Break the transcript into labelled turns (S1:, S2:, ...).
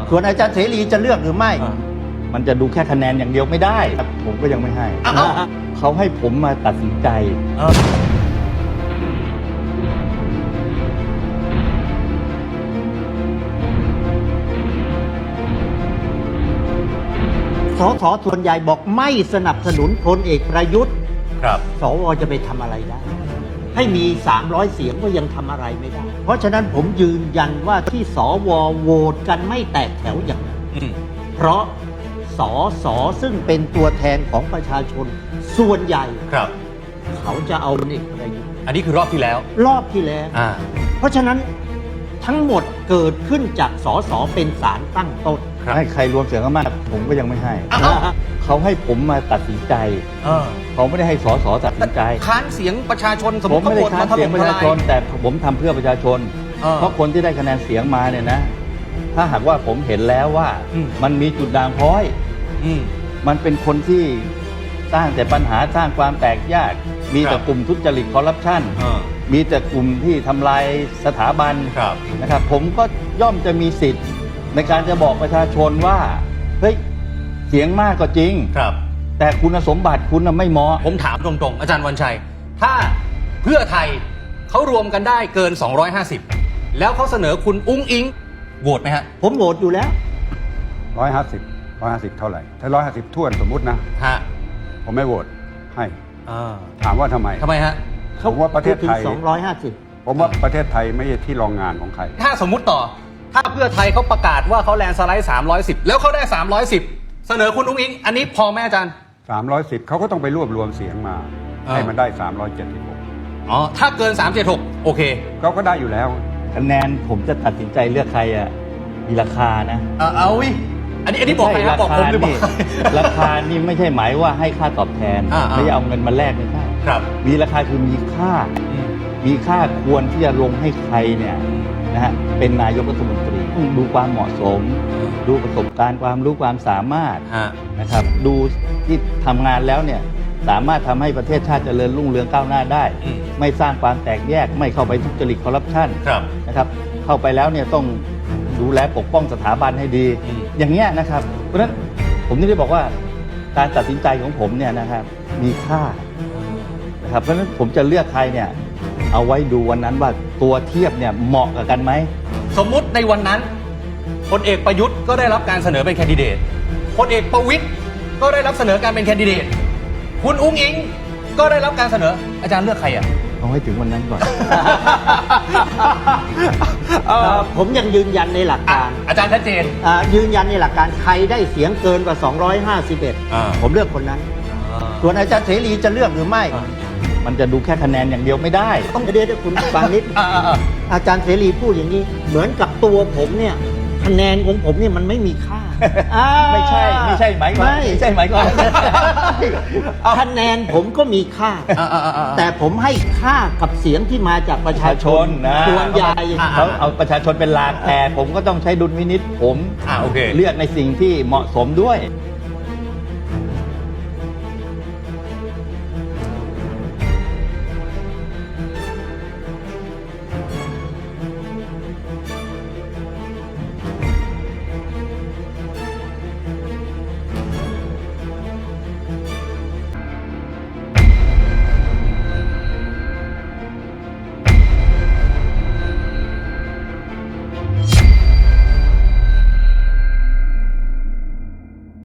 S1: ส่วนอาจารย์เสรีจะเลือกหรือไม่ มันจะดูแค่คะแนนอย่างเดียวไม่ได้ผมก็ยังไม่ให้เขาให้ผมมาตัดสินใจสสส่วนใหญ่บอกไม่สนับสนุนพลเอกประยุทธ์
S2: ครับ
S1: สวจะไปทำอะไรได้ให้มี300เสียงก็ยังทำอะไรไม่ได้เพราะฉะนั้นผมยืนยันว่าที่สวโหวตกันไม่แตกแถวอย่างนั้นเพราะสสซึ่งเป็นตัวแทนของประชาชนส่วนใหญ่
S2: ครับ
S1: เขาจะเอาพลเอกประยุทธ์
S2: อันนี้คือรอบที่แล้ว
S1: รอบที่แล้วเพราะฉะนั้นทั้งหมดเกิดขึ้นจากสสเป็นศาลตั้งต้นให้ใครรวมเสียงข้างมากผมก็ยังไม่ให้เขาให้ผมมาตัดสินใจเขาไม่ได้ให้สสตัดสินใจ
S2: ค้านเสียงประชาชนสมมติ
S1: เขาโหวตมาเสียงประชาชนแต่ผมทำเพื่อประชาชนเพราะคนที่ได้คะแนนเสียงมาเนี่ยนะถ้าหากว่าผมเห็นแล้วว่ามันมีจุดด่างพร้อยมันเป็นคนที่สร้างแต่ปัญหาสร้างความแตกแยกมีแต่กลุ่มทุจริตคอร์รัปชันมีแต่กลุ่มที่ทำลายสถาบันนะครับผมก็ย่อมจะมีสิทธิ์ในการจะบอกประชาชนว่าเฮ้ยเสียงมากก็จริงแต่คุณสมบัติคุณไม่เหมาะ
S2: ผมถามตรงๆอาจารย์วันชัยถ้าเพื่อไทยเขารวมกันได้เกิน250แล้วเขาเสนอคุณอุ้งอิงโหวตไหมฮะ
S1: ผมโหวตอยู่แล้ว
S3: 150เท่าไหร่ถ้า150ท้วนสมมุตินะผมไม่โหวตให้ถามว่าทำไม
S2: ฮะ
S3: ผมว่าประเทศไทย
S1: 250
S3: ผมว่าประเทศไทยไม่ใช่ที่รองงานของใคร
S2: ถ้าสมมุติต่อถ้าเพื่อไทยเขาประกาศว่าเขาแลนด์สไลด์310แล้วเขาได้310เสนอคุณอุ้งอิงอันนี้พอไหมอาจารย์
S3: 310เขาก็ต้องไปรวบรวมเสียงมาให้มันได้376
S2: ถ้าเกิน376โอเค
S3: เขาก็ได้อยู่แล้ว
S1: คะแนนผมจะตัดสินใจเลือกใครมีราคานะ
S2: เอาวิอันนี้บอกใครครับบอกผมหรือเปล่า
S1: ราคานี่ไม่ใช่หมายว่าให้ค่าตอบแทนไม่เอาเงินมาแลกไม่ใช่มีราคาคือมีค่าควรที่จะลงให้ใครเนี่ยนะฮะเป็นนายกรัฐมนตรีต้องดูความเหมาะสมดูประสบการณ์ความรู้ความสามารถนะครับดูที่ทำงานแล้วเนี่ยสามารถทำให้ประเทศชาติเจริญรุ่งเรืองก้าวหน้าได้ไม่สร้างความแตกแยกไม่เข้าไปทุจริตคอร์รัปชันนะครับเข้าไปแล้วเนี่ยต้องดูแลปกป้องสถาบันให้ดีอย่างเงี้ยนะครับเพราะฉะนั้นผมนี่ได้บอกว่าการตัดสินใจของผมเนี่ยนะครับมีค่านะครับเพราะฉะนั้นผมจะเลือกใครเนี่ยเอาไว้ดูวันนั้นว่าตัวเทียบเนี่ยเหมาะกับกันไหม
S2: สมมุติในวันนั้นพลเอกประยุทธ์ก็ได้รับการเสนอเป็นแคนดิเดตพลเอกประวิตรก็ได้รับเสนอการเป็นแคนดิเดตคุณอุ้งอิงก็ได้รับการเสนออาจารย์เลือกใคร
S1: เอาให้ถึงวันนั้นก่อน ผมยังยืนยันในหลักการ
S2: อาจารย์ชัดเจน
S1: ยืนยันในหลักการใครได้เสียงเกินกว่า251ผมเลือกคนนั้นส่วนอาจารย์เสรีจะเลือกหรือไม่มันจะดูแค่คะแนนอย่างเดียวไม่ได้ต้องเดี๋ยวคุณฟังนิดอาจารย์เสรีพูดอย่างนี้เหมือนกับตัวผมเนี่ยคะแนนของผมเนี่ยมันไม่มีค่าไม่ใช่หมายความคะแนนผมก็มีค่าแต่ผมให้ค่ากับเสียงที่มาจากประชาชนส่วนใหญ่เขาเอาประชาชนเป็นหลักแต่ผมก็ต้องใช้ดุลพินิจผมเลือกในสิ่งที่เหมาะสมด้วย